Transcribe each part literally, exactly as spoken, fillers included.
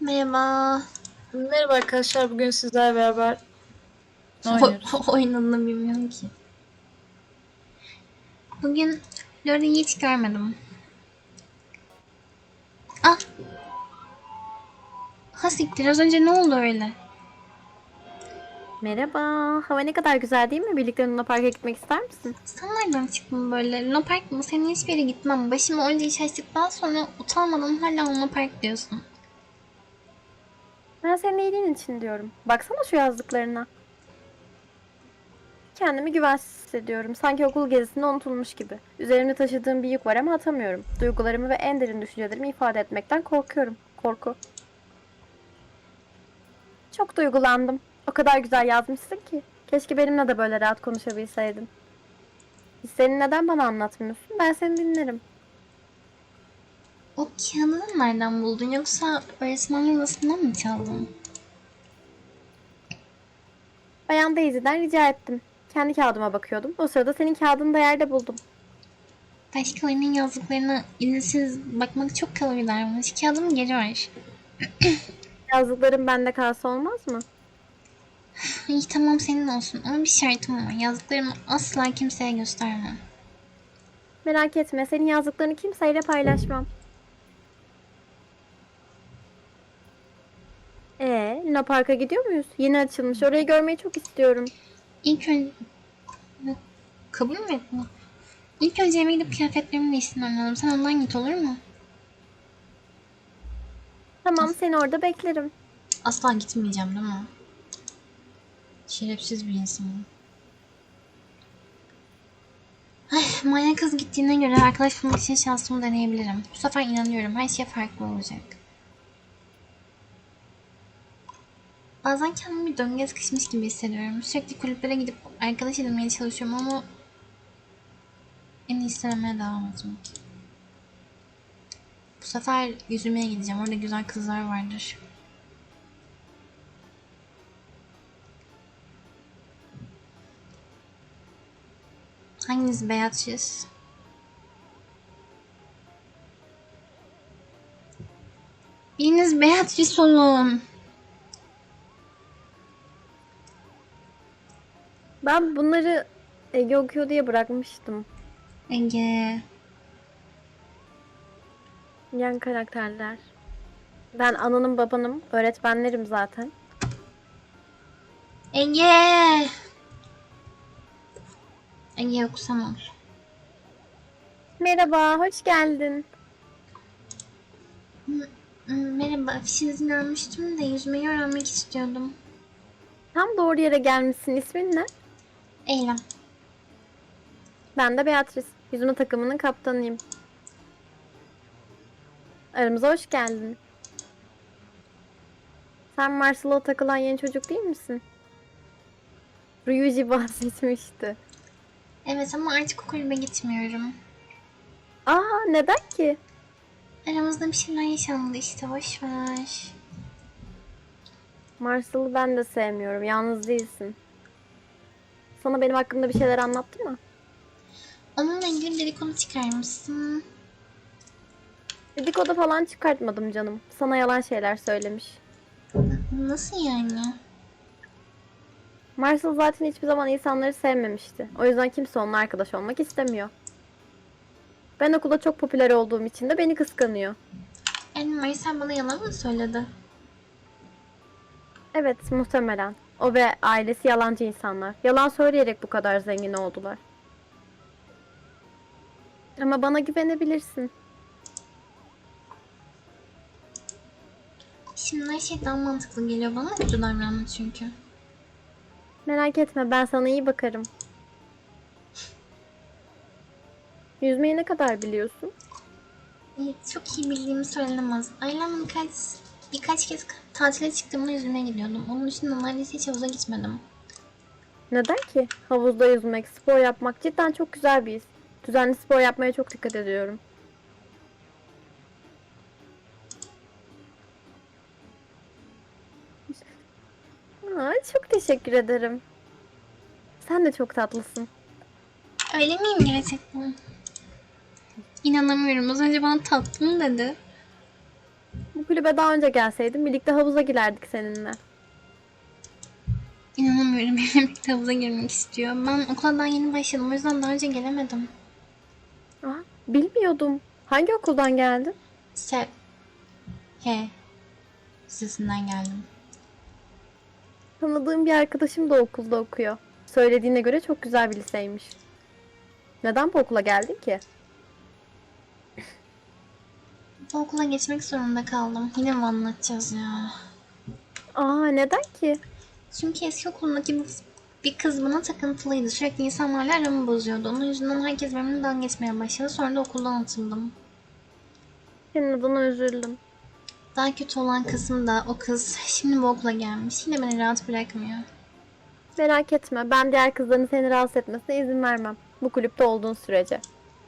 Merhaba. Merhaba arkadaşlar, bugün sizlerle beraber ne O, oynuyoruz? oyun adını bilmiyorum ki. Bugün Lori'yi hiç görmedim. Ah, ha siktir, az önce ne oldu öyle? Merhaba. Hava ne kadar güzel değil mi? Birlikte Luna Park'a gitmek ister misin? Sen nereden çıktın böyle? Luna Park mı? Senin hiçbir yere gitmem. Başıma onca iş açtıktan sonra utanmadan hala Luna Park diyorsun. Ben senin iyiliğin için diyorum. Baksana şu yazdıklarına. Kendimi güvensiz hissediyorum. Sanki okul gezisinde unutulmuş gibi. Üzerimde taşıdığım bir yük var ama atamıyorum. Duygularımı ve en derin düşüncelerimi ifade etmekten korkuyorum. Korku. Çok duygulandım. O kadar güzel yazmışsın ki. Keşke benimle de böyle rahat konuşabilseydin. Hislerini neden bana anlatmıyorsun? Ben seni dinlerim. O kağıdını nereden buldun yoksa öğretmenin odasından mı çaldın? Bayan Daisy'den rica ettim. Kendi kağıdıma bakıyordum. O sırada senin kağıdını da yerde buldum. Başkalarının yazdıklarına izinsiz bakmak çok kalori vermiş. Kağıdımı geri ver. Yazdıklarım bende kalsa olmaz mı? İyi tamam senin olsun ama bir şartım var. Yazdıklarımı asla kimseye göstermem. Merak etme, senin yazdıklarını kimseyle paylaşmam. Ee, Luna Park'a gidiyor muyuz? Yeni açılmış. Orayı görmeyi çok istiyorum. İlk önce... Kabul mü ettin? İlk önce eve gidip kıyafetlerimin değiştirmem lazım. Sen ondan git olur mu? Tamam, seni orada beklerim. Asla gitmeyeceğim değil mi? Şerefsiz bir insanım. Ay, manyak kız gittiğine göre arkadaş bulmak için şansımı deneyebilirim. Bu sefer inanıyorum. Her şey farklı olacak. Bazen kendimi bir döngüye sıkışmış gibi hissediyorum. Sürekli kulüplere gidip arkadaş edinmeye çalışıyorum ama en iyisi denemeye devam etmek. Bu sefer yüzmeye gideceğim. Orada güzel kızlar vardır. Hanginiz Beatrice? Biriniz Beatrice olun. Ben bunları Ege okuyor diye bırakmıştım. Ege. Yan karakterler. Ben ananım babanım. Öğretmenlerim zaten. Ege. Ege okusam olur. Merhaba, hoş geldin. Merhaba, afişinizin almıştım da yüzmeyi öğrenmek istiyordum. Tam doğru yere gelmişsin. İsmin ne? Eylem. Ben de Beatrice. Yüzme takımının kaptanıyım. Aramıza hoş geldin. Sen Marshall'a takılan yeni çocuk değil misin? Ryuji bahsetmişti. Evet ama artık o kulübe gitmiyorum. Aa, neden ki? Aramızda bir şeyler yaşandı işte, boş ver. Marshall'ı ben de sevmiyorum. Yalnız değilsin. Sana benim hakkımda bir şeyler anlattı mı? Onunla ilgili bir dedikodu çıkarmışsın. Dedikodu falan çıkartmadım canım. Sana yalan şeyler söylemiş. Nasıl yani? Marshall zaten hiçbir zaman insanları sevmemişti. O yüzden kimse onunla arkadaş olmak istemiyor. Ben okulda çok popüler olduğum için de beni kıskanıyor. Yani Marcel bana yalan mı söyledi? Evet, muhtemelen. O ve ailesi yalancı insanlar. Yalan söyleyerek bu kadar zengin oldular. Ama bana güvenebilirsin. Şimdi her şey daha mantıklı geliyor bana, kötü davranma çünkü. Merak etme, ben sana iyi bakarım. Yüzmeyi ne kadar biliyorsun? Evet, çok iyi bildiğimi söylenemez. Ailemle birkaç, birkaç kez tatile çıktığımda yüzmeye gidiyordum. Onun dışında neredeyse hiç havuza gitmedim. Neden ki? Havuzda yüzmek, spor yapmak cidden çok güzel bir his. Düzenli spor yapmaya çok dikkat ediyorum. Aa, çok teşekkür ederim. Sen de çok tatlısın. Öyle miyim gerçekten? İnanamıyorum. Az önce bana tatlım dedi. Bu kulübe daha önce gelseydin birlikte havuza girerdik seninle. İnanamıyorum benimle birlikte havuza girmek istiyor. Ben okula daha yeni başladım. O yüzden daha önce gelemedim. Aa, bilmiyordum. Hangi okuldan geldin? Sev. He. Sesinden geldim. Tanıdığım bir arkadaşım da okulda okuyor. Söylediğine göre çok güzel bir liseymiş. Neden bu okula geldin ki? Bu okula geçmek zorunda kaldım. Yine mi anlatacağız ya? Aa, neden ki? Çünkü eski okulumdaki bir, bir kız bana takıntılıydı. Sürekli insanlarla aramı bozuyordu. Onun yüzünden herkes benimle dalga geçmeye başladı. Sonra da okuldan atıldım. Senin adına üzüldüm. Daha kötü olan kısım da o kız şimdi bu okula gelmiş. Yine beni rahat bırakmıyor. Merak etme, ben diğer kızların seni rahatsız etmesine izin vermem. Bu kulüpte olduğun sürece.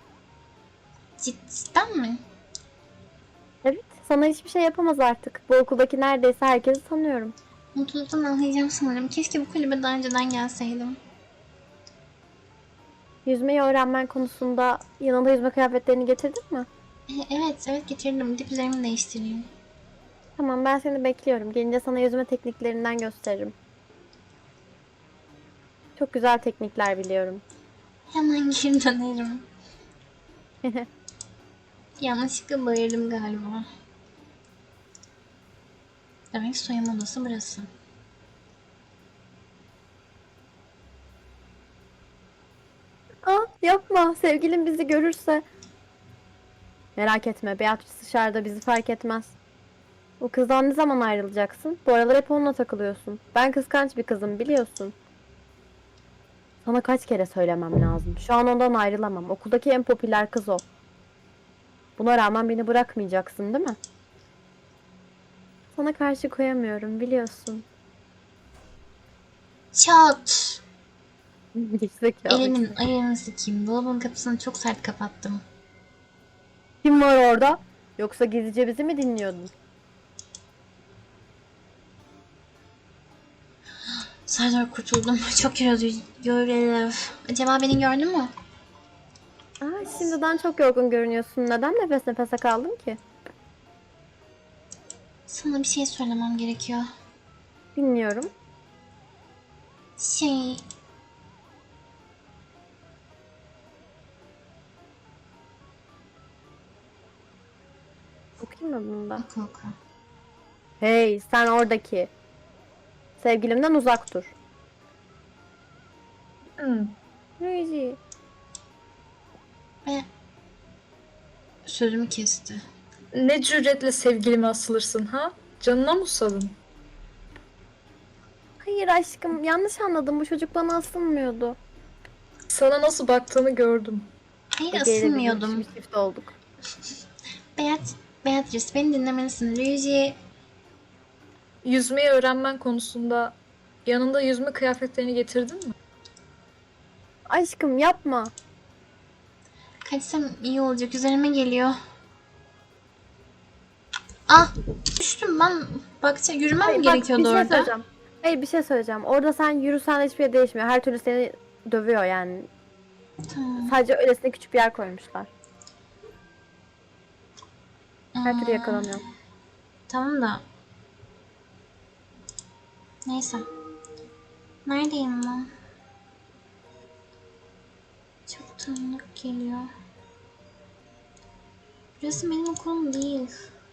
Cidden mi? Evet, sana hiçbir şey yapamaz artık. Bu okuldaki neredeyse herkesi tanıyorum. Mutluluktan ağlayacağım sanırım. Keşke bu kulübe daha önceden gelseydim. Yüzmeyi öğrenmen konusunda yanında yüzme kıyafetlerini getirdin mi? E, evet, evet getirdim. Dip üzerimi değiştireyim. Tamam, ben seni bekliyorum. Gelince sana yüzme tekniklerinden gösteririm. Çok güzel teknikler biliyorum. Hemen geri dönerim. Yanlışlıkla bağırdım galiba. Demek soyunma odası burası. Aa, yapma. Sevgilim bizi görürse. Merak etme, Beatrice dışarıda bizi fark etmez. O kızdan ne zaman ayrılacaksın? Bu aralar hep onunla takılıyorsun. Ben kıskanç bir kızım, biliyorsun. Sana kaç kere söylemem lazım. Şu an ondan ayrılamam. Okuldaki en popüler kız o. Buna rağmen beni bırakmayacaksın, değil mi? Sana karşı koyamıyorum, biliyorsun. Çat! Gerizekalı. Elimin ayağını sikeyim. Dolabın kapısını çok sert kapattım. Kim var orada? Yoksa gizlice bizi mi dinliyordun? Serdar kurtuldum. Çok yorucu. Acaba beni gördün mü? Aa, şimdiden çok yorgun görünüyorsun. Neden nefes nefese kaldın ki? Sana bir şey söylemem gerekiyor. Dinliyorum. Şey... Okuyayım mı bunu da? Oku oku. Hey, sen oradaki. Sevgilimden uzak dur. Hmm. Reji. Ve sözümü kesti. Ne cüretle sevgilime asılırsın ha? Canına mı susadın? Hayır aşkım, yanlış anladım. Bu çocuk bana asılmıyordu. Sana nasıl baktığını gördüm. Hayır Ege ile bizim asılmıyordum. bir çift olduk. Beat, Beatrice beni dinlemelisin. Luigi Yüzmeyi öğrenmen konusunda yanında yüzme kıyafetlerini getirdin mi? Aşkım yapma. kaçsam iyi olacak. Üzerime geliyor. Ah! Düştüm ben. Bakça yürümem Hayır, mi bak, gerekiyordu bir şey orada? söyleyeceğim. Hayır, bir şey söyleyeceğim. Orada sen yürüsen hiçbir şey değişmiyor. Her türlü seni dövüyor yani. Tamam. Sadece öylesine küçük bir yer koymuşlar. Her türlü Aa, yakalanıyor. tamam da. Neyse. Neredeyim ben? Çok tanıdık geliyor. Burası benim okulum değil.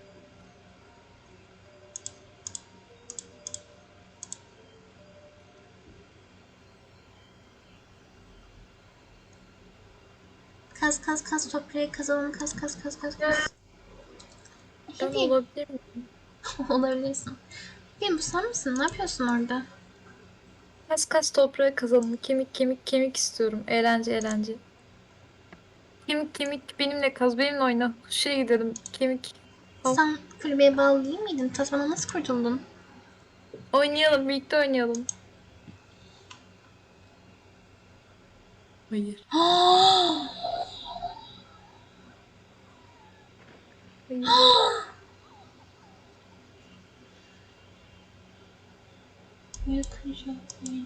Kaz kaz kaz toprağı kazalım kaz kaz kaz kaz kaz. Ben Hadi olabilir miyim? olabilirsin. Benim bu sen misin? Ne yapıyorsun orada? Kas kas toprağı kazalım. Kemik kemik kemik istiyorum. Eğlence eğlence. Kemik kemik benimle kaz benimle oyna. Şuraya gidelim. Kemik. Al. Sen kulübeye bağlı değil miydin? Tasman'a nasıl kurtuldun? Oynayalım birlikte oynayalım. Hayır. Hayır. Yakacak beni.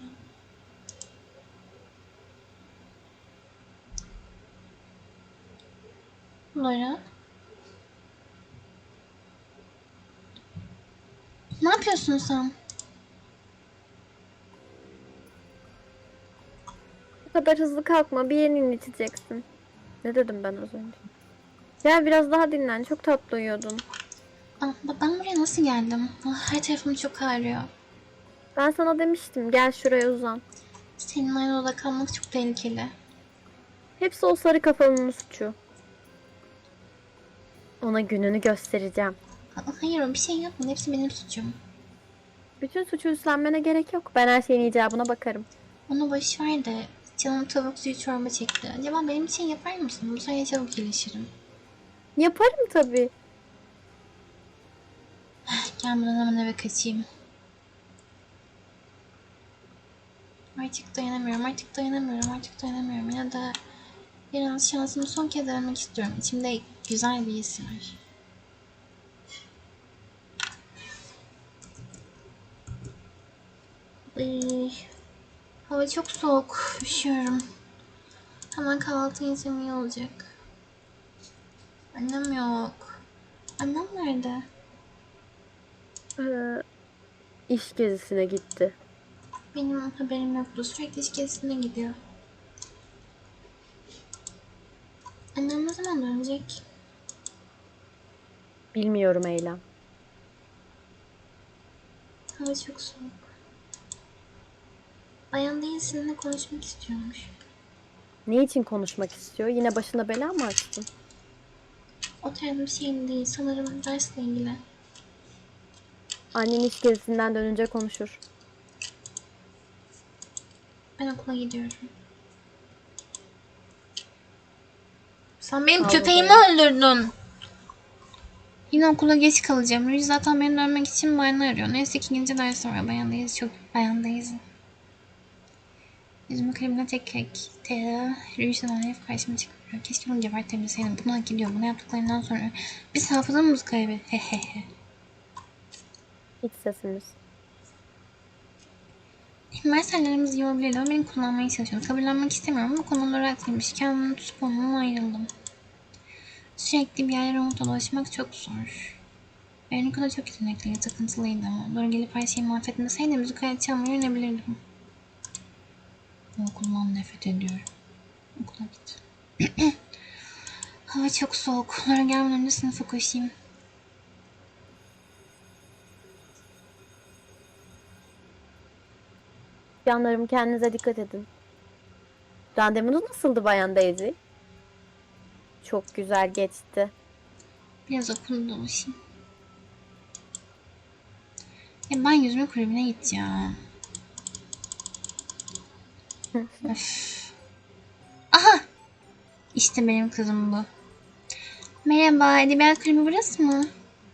Laura. Ne yapıyorsun sen? Bu kadar hızlı kalkma, bir yerini inciteceksin. Ne dedim ben az önce? Gel biraz daha dinlen, çok tatlı uyuyordun. Aa, bak ben buraya nasıl geldim? Ah, her tarafım çok ağrıyor. Ben sana demiştim, gel şuraya uzan. Senin aynı odada kalmak çok tehlikeli. Hepsi o sarı kafalının suçu. Ona gününü göstereceğim. Aa, hayır o bir şey yapmadı. Hepsi benim suçum. Bütün suçu üstlenmene gerek yok. Ben her şeyin icabına bakarım. Onu boş ver de canım tavuk suyu çorba çekti. Acaba benim için yapar mısın? Bu sayede çabuk iyileşirim. Yaparım tabii. Gelmeden hemen eve kaçayım. Artık dayanamıyorum, artık dayanamıyorum, artık dayanamıyorum. Ya da biraz şansımı son kez denemek istiyorum. İçimde güzel bir his var. Ay, hava çok soğuk. Üşüyorum. Hemen kahvaltı yesem iyi olacak. Annem yok. Annem nerede? Ee, iş gezisine gitti. Benim haberim yoktu. Sürekli iş gezisine gidiyor. Annem ne zaman dönecek? Bilmiyorum Eylem. Hava çok soğuk. Bayan değil seninle konuşmak istiyormuş. Ne için konuşmak istiyor? Yine başına bela mı açtın? O tarz bir şey değil. Sanırım dersle ilgili. Annen iş gezisinden dönünce konuşur. Ben okula gidiyorum. Sen benim Al köpeğimi bakalım. öldürdün. Yine okula geç kalacağım. Rüz zaten beni dönmek için bahane arıyor. Neyse ki ikinci ders var. Bayandayız. Çok bayandayız. Yüzümü kremle tek tek. Tera. Rüz'den hep karşıma çıkmıyor. Keşke onu gebertebilseydim. Bunu hak ediyor. Bunu yaptıklarından sonra biz hafızamızı kaybettik. Hehehe. Hiç sesimiz. Üniversitelerimiz iyi olabilirdi ama beni kullanmaya çalışıyordu. Kabullenmek istemiyorum ama konuları haklıymış. Kendimi tutup ondan ayrıldım. Sürekli bir yerlere umutla dolaşmak çok zor. Veronica da çok yetenekliydi, takıntılıydı ama doğru gelip her şeyi mahvetmeseydi müzik aleti çalmayı öğrenebilirdim. Bu okuldan nefret ediyorum. Okula git. Hava çok soğuk. Lara gelmeden önce sınıfa koşayım. Canlarım kendinize dikkat edin. Randevunuz nasıldı Bayan Daisy? Çok güzel geçti. Biraz okulda dolaşayım. Ya ben yüzme kulübüne gideceğim. Öf. Aha! İşte benim kızım bu. Merhaba, edebiyat kulübü burası mı?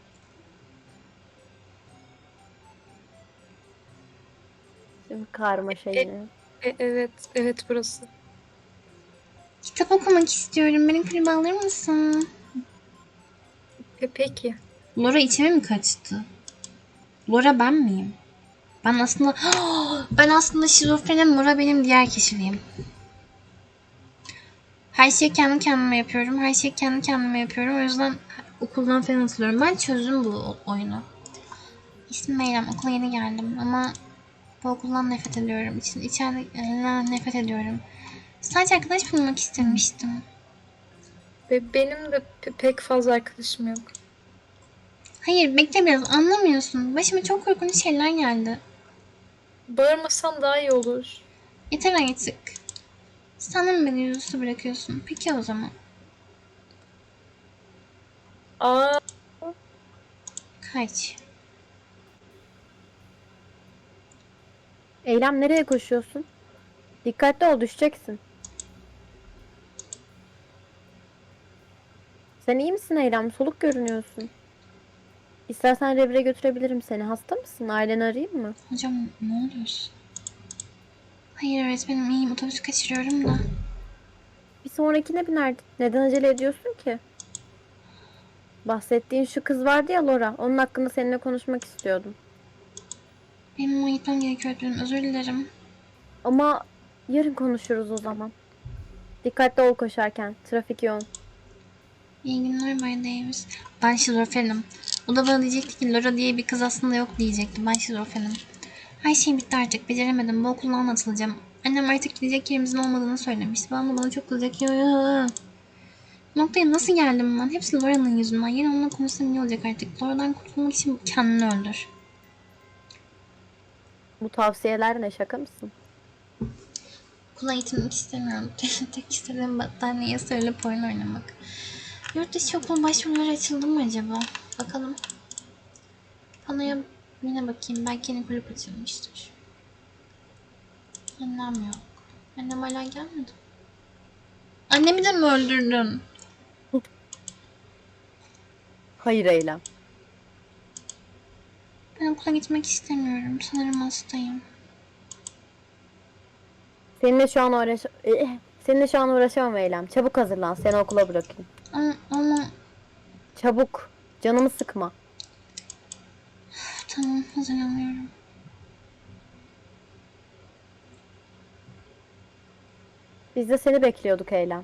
Şimdi karmaşa E- yine. E, evet, evet burası. Kitap okumak istiyorum. Benim kulübe alır mısın? E, peki. Laura içime mi kaçtı? Laura ben miyim? Ben aslında ben aslında şizofrenim. Laura benim diğer kişiliğim. Her şeyi kendi kendime yapıyorum. Her şeyi kendi kendime yapıyorum. O yüzden okuldan falan hatırlıyorum. Ben çözdüm bu oyunu. İsmim Meyrem. Okula yeni geldim ama bu okuldan nefret ediyorum. İçin, içeride nefret ediyorum. Sadece arkadaş bulmak istemiştim. Ve benim de pe- pek fazla arkadaşım yok. Hayır bekle biraz anlamıyorsun. Başıma çok korkunç şeyler geldi. Bağırmasan daha iyi olur. Yeter artık. Sen de mi beni yüzüstü bırakıyorsun? Peki o zaman. Aa, Kaç. Eylem nereye koşuyorsun? Dikkatli ol, düşeceksin. Sen iyi misin Eylem? Soluk görünüyorsun. İstersen revire götürebilirim seni. Hasta mısın? Aileni arayayım mı? Hocam ne oluyorsun? Hayır öğretmenim iyiyim. Otobüs kaçırıyorum da. Bir sonrakine binerdin. Neden acele ediyorsun ki? Bahsettiğin şu kız vardı ya Laura. Onun hakkında seninle konuşmak istiyordum. Benim ona gitmem gerekiyor öğretmenim. Özür dilerim. Ama yarın konuşuruz o zaman. Dikkatli ol koşarken. Trafik yoğun. İyi günler Bay Davis. Ben şizofrenim. O da bana diyecekti ki Laura diye bir kız aslında yok diyecekti. Ben şizofrenim. Her şey bitti artık. Beceremedim. Bu okuldan atılacağım. Annem artık gidecek yerimizin olmadığını söylemişti. Babam da bana çok kızacak. Yo, yo, yo. Bu noktaya nasıl geldim ben? Hepsi Laura'nın yüzünden. Yine onunla konuşsam iyi olacak artık. Laura'dan kurtulmak için kendini öldür. Bu tavsiyeler ne, şaka mısın? Okula gitmek istemiyorum. Tek istediğim battaniyeye sarılıp oyun oynamak. Yurt dışı okul başvuruları açıldı mı acaba? Bakalım. Panoya yine bakayım. Belki yeni kulüp açılmıştır. Annem yok. Annem hala gelmedi. Annemi de mi öldürdün? Hayır Eylem. Ben okula gitmek istemiyorum. Sanırım hastayım. Seninle şu an uğraş Eh, Seninle şu an uğraşamam Eylem. Çabuk hazırlan. Seni okula bırakayım. Ama, ama... Çabuk. Canımı sıkma. Tamam, hazırlanıyorum. Biz de seni bekliyorduk Eylem.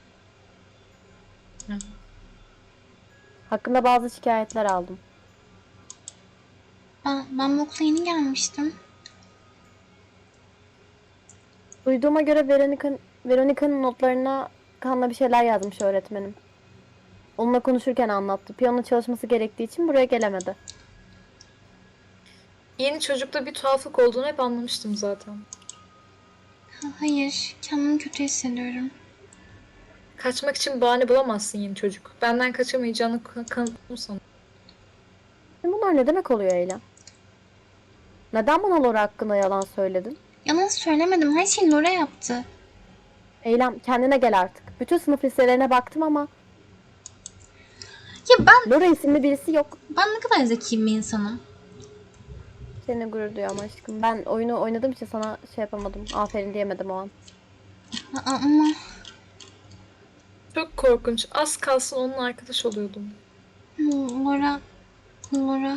Hı. Hakkında bazı şikayetler aldım. Ben, ben bu okula yeni gelmiştim. Duyduğuma göre Veronica'nın Veronica'nın notlarına Kan'la bir şeyler yazmış öğretmenim. Onunla konuşurken anlattı. Piyano çalışması gerektiği için buraya gelemedi. Yeni çocukta bir tuhaflık olduğunu hep anlamıştım zaten. Ha, hayır, kendimi kötü hissediyorum. Kaçmak için bahane bulamazsın yeni çocuk. Benden kaçamayacağını kan- kanıtladım sana. Şimdi bunlar ne demek oluyor Eylem? Neden bana Laura hakkında yalan söyledin? Yalan söylemedim. Her şeyi Laura yaptı. Eylem, kendine gel artık. Bütün sınıf listelerine baktım ama Ya ben, Laura isimli birisi yok. ben ne kadar zeki bir insanım. Seninle gurur duyuyorum aşkım. Ben oyunu oynadığım için sana şey yapamadım. Aferin diyemedim o an. Aa, ama Çok korkunç. Az kalsın onunla arkadaş oluyordum. Laura, Laura.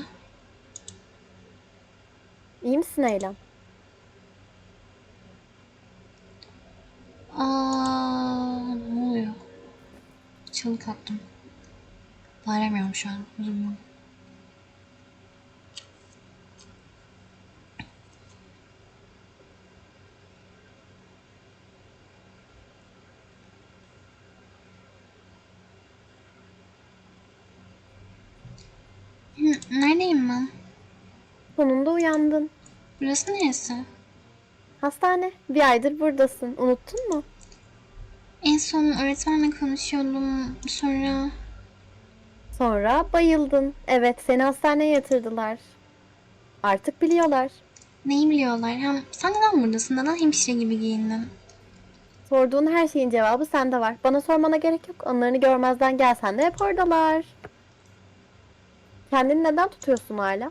İyi misin Eylem? Aa, ne oluyor? Çığlık attım. Bağıramıyorum şu an. Özür dilerim. Hı, neredeyim ben? Sonunda uyandın. Burası neresi? Hastane. Bir aydır buradasın. Unuttun mu? En son öğretmenle konuşuyordum. Sonra... Sonra bayıldın. Evet, seni hastaneye yatırdılar. Artık biliyorlar. Neyi biliyorlar? Hem sen neden buradasın? Neden hemşire gibi giyindin? Sorduğun her şeyin cevabı sende var. Bana sormana gerek yok. Onlarını görmezden gelsen de hep oradalar. Kendini neden tutuyorsun hala?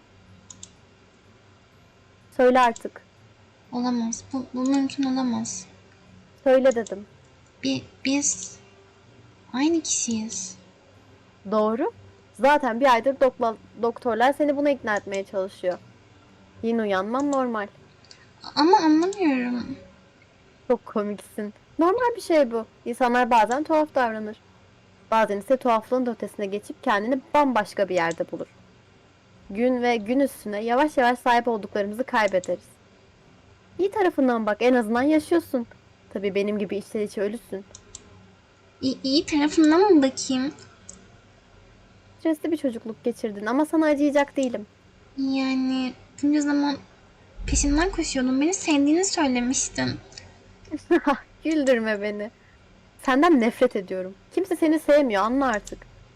Söyle artık. Olamaz. Bu, bu mümkün olamaz. Söyle dedim. Bi, biz aynı kişiyiz. Doğru. Zaten bir aydır dokla- doktorlar seni buna ikna etmeye çalışıyor. Yine uyanman normal. Ama anlamıyorum. Çok komiksin. Normal bir şey bu. İnsanlar bazen tuhaf davranır. Bazen ise tuhaflığın da ötesine geçip kendini bambaşka bir yerde bulur. Gün ve gün üstüne yavaş yavaş sahip olduklarımızı kaybederiz. İyi tarafından bak, en azından yaşıyorsun. Tabii benim gibi içten içe ölüsün. İyi, iyi tarafından mı bakayım? Stresli bir çocukluk geçirdin ama sana acıyacak değilim. Yani bunca zaman peşinden koşuyordum. Beni sevdiğini söylemiştin. Güldürme beni. Senden nefret ediyorum. Kimse seni sevmiyor, anla artık.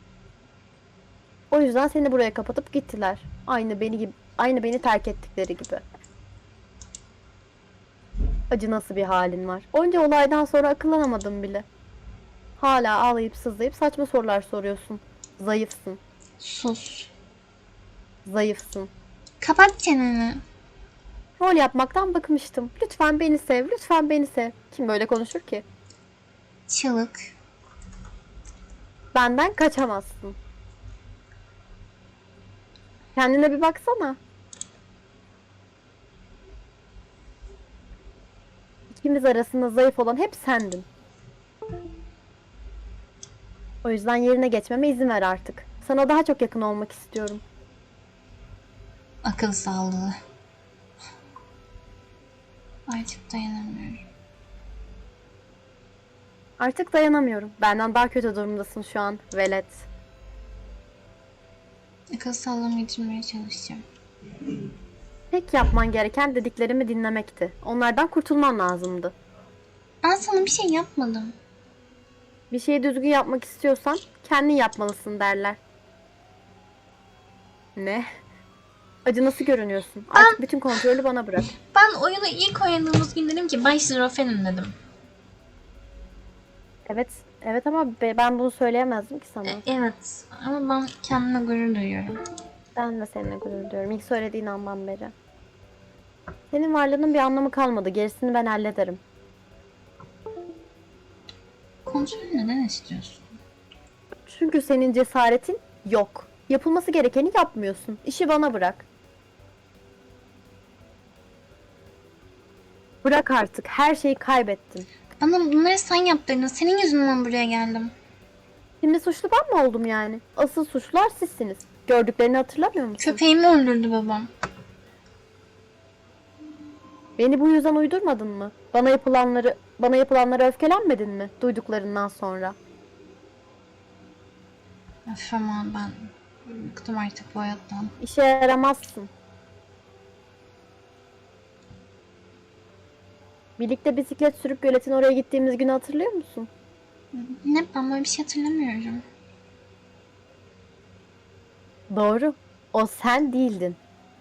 O yüzden seni buraya kapatıp gittiler. Aynı beni gibi, aynı beni terk ettikleri gibi. Acı nasıl bir halin var. Onca olaydan sonra akıllanamadım bile. Hala ağlayıp sızlayıp saçma sorular soruyorsun. Zayıfsın. Sus. Zayıfsın. Kapat çeneni. Rol yapmaktan bıkmıştım. Lütfen beni sev, lütfen beni sev. Kim böyle konuşur ki? Çığlık. Benden kaçamazsın. Kendine bir baksana. İkimiz arasında zayıf olan hep sendin. O yüzden yerine geçmeme izin ver artık. Sana daha çok yakın olmak istiyorum. Akıl sağlığı. Artık dayanamıyorum. Artık dayanamıyorum. Benden daha kötü durumdasın şu an, velet. Akıl sağlığımı yitirmeye çalışacağım. Tek yapman gereken dediklerimi dinlemekti. Onlardan kurtulman lazımdı. Ben sana bir şey yapmadım. Bir şeyi düzgün yapmak istiyorsan kendin yapmalısın derler. Ne? Acı nasıl görünüyorsun? Artık bütün kontrolü bana bırak. Ben oyunu ilk oynadığımız gün dedim ki Bay Şizofrenim dedim. Evet, evet ama be- ben bunu söyleyemezdim ki sana. E, evet ama ben kendime gurur duyuyorum. Ben de seninle gurur duyuyorum. İlk söylediğin andan beri. Senin varlığının bir anlamı kalmadı. Gerisini ben hallederim. Kontrolü neden istiyorsun? Çünkü senin cesaretin yok. Yapılması gerekeni yapmıyorsun. İşi bana bırak. Bırak artık. Her şeyi kaybettin. Bana bunları sen yaptırdın. Senin yüzünden buraya geldim. Şimdi suçlu ben mi oldum yani? Asıl suçlular sizsiniz. Gördüklerini hatırlamıyor musun? Köpeğimi öldürdü babam. Beni bu yüzden uydurmadın mı? Bana yapılanları, bana yapılanlara öfkelenmedin mi? Duyduklarından sonra. Öf ama ben bıktım artık bu hayattan. İşe yaramazsın. Birlikte bisiklet sürüp göletin oraya gittiğimiz günü hatırlıyor musun? Ne, ben böyle bir şey hatırlamıyorum. Doğru. O sen değildin.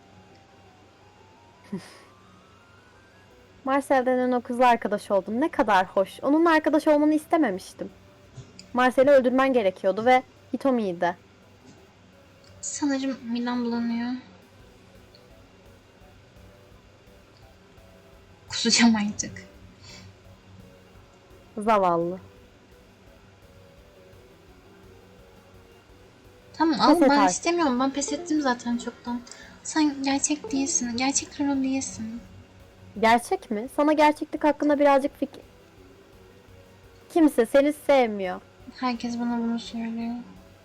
Marcel denen o kızla arkadaş oldun. Ne kadar hoş. Onunla arkadaş olmanı istememiştim. Marcel'i öldürmen gerekiyordu ve Hitomi'yi de. Sanırım midem bulanıyor. Kusacağım artık. Zavallı. Tamam Pes al, et ben artık. istemiyorum. Ben pes ettim zaten çoktan. Sen gerçek değilsin. Gerçek Lolo değilsin. Gerçek mi? Sana gerçeklik hakkında birazcık fikir... Kimse seni sevmiyor. Herkes bana bunu söylüyor.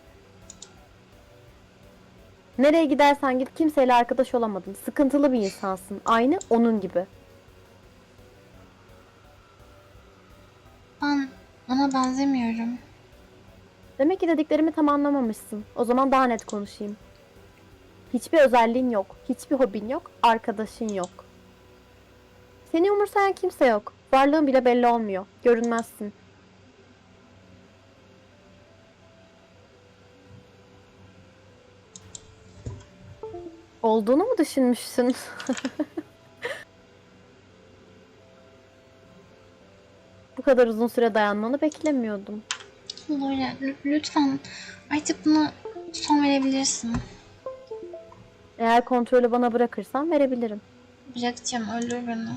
Nereye gidersen git kimseyle arkadaş olamadın. Sıkıntılı bir insansın. Aynı onun gibi. Ben ona benzemiyorum. Demek ki dediklerimi tam anlamamışsın. O zaman daha net konuşayım. Hiçbir özelliğin yok. Hiçbir hobin yok. Arkadaşın yok. Seni umursayan kimse yok. Varlığın bile belli olmuyor. Görünmezsin. Olduğunu mu düşünmüşsün? Bu kadar uzun süre dayanmanı beklemiyordum. Laura l- lütfen artık buna son verebilirsin. Eğer kontrolü bana bırakırsan verebilirim. Bırakacağım, öldür beni.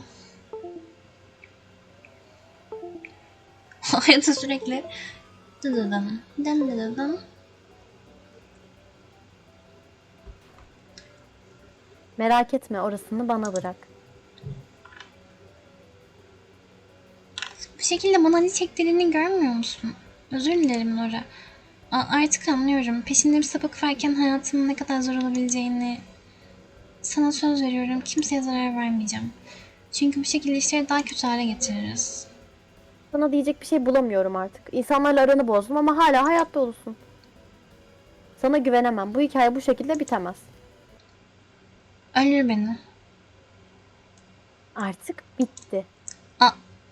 Hayata sürekli dıdıdım, dım dıdıdım. Merak etme, orasını bana bırak. Bu şekilde bana acı çektirdiğini görmüyor musun? Özür dilerim Laura. A- artık anlıyorum. Peşinde bir sapık varken hayatımın ne kadar zor olabileceğini. Sana söz veriyorum, kimseye zarar vermeyeceğim. Çünkü bu şekilde işleri daha kötü hale getiririz. Sana diyecek bir şey bulamıyorum artık. İnsanlarla aranı bozdum ama hala hayatta olursun. Sana güvenemem. Bu hikaye bu şekilde bitemez. Öldür beni. Artık bitti. A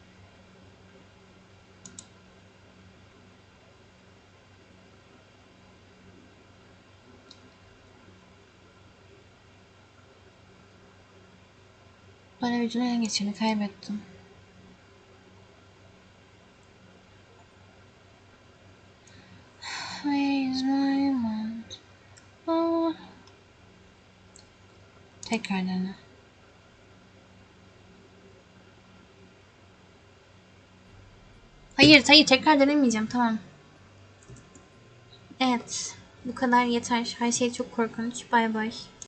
Bana vücuduna ele geçirdi, kaybettim. Where is my mind? Oh. Tekrar dene. Hayır, hayır, tekrar denemeyeceğim, tamam. Evet, bu kadar yeter. Her şey çok korkunç. Bay bay.